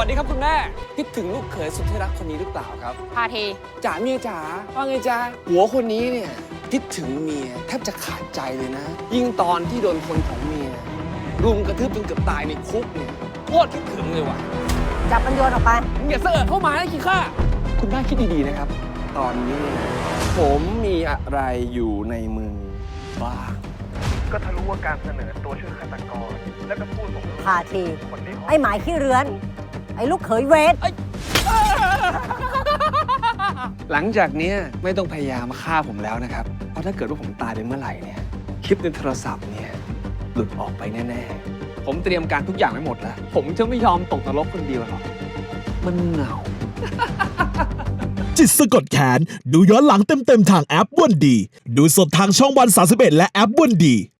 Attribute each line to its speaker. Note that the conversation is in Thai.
Speaker 1: วัสดีครับคุณแม่คิดถึงลูกเขยสุดที่รักคนนี้หรือเปล่าครับ
Speaker 2: พาที
Speaker 1: จ๋าเมียจ๋าว่าไงจ๊ะหัวคนนี้เนี่ยคิดถึงเมียแทบจะขาดใจเลยนะ ยิ่งตอนที่โดนคนของเมียรุมกระทืบจนเกือบตายในคุกเนี่ยโคตรคิดถึงเลยว่ะ
Speaker 2: จับมันโยนออกไป
Speaker 1: มึงอย่าเสอะเข้ามานะขี้ข้าคุณแม่คิดดีๆนะครับ ตอนนี้เนี่ยผมมีอะไรอยู่ในมือบ้าง
Speaker 3: ก็ทะลุว่าการเสนอตัวช่วยฆาตกร แล้วก็พูดผม
Speaker 2: พาที
Speaker 3: คนที่เขา
Speaker 2: ไอ้หมายขี้เรือน ไอ้ลูกเขยเวท
Speaker 1: หลังจากเนี้ยไม่ต้องพยายามฆ่าผมแล้วนะครับ เพราะถ้าเกิดว่าผมตายไปเมื่อไหร่เนี่ยคลิปในโทรศัพท์เนี่ยหลุดออกไปแน่ๆ ผมเตรียมการทุกอย่างไว้หมดแล้ว ผมจะไม่ยอมตกนรกคนเดียวหรอกมันเหงา
Speaker 4: จิตสะกดแขนดูย้อนหลังเต็มๆทางแอปวันดี ดูสดทางช่องวัน31และแอปวันดี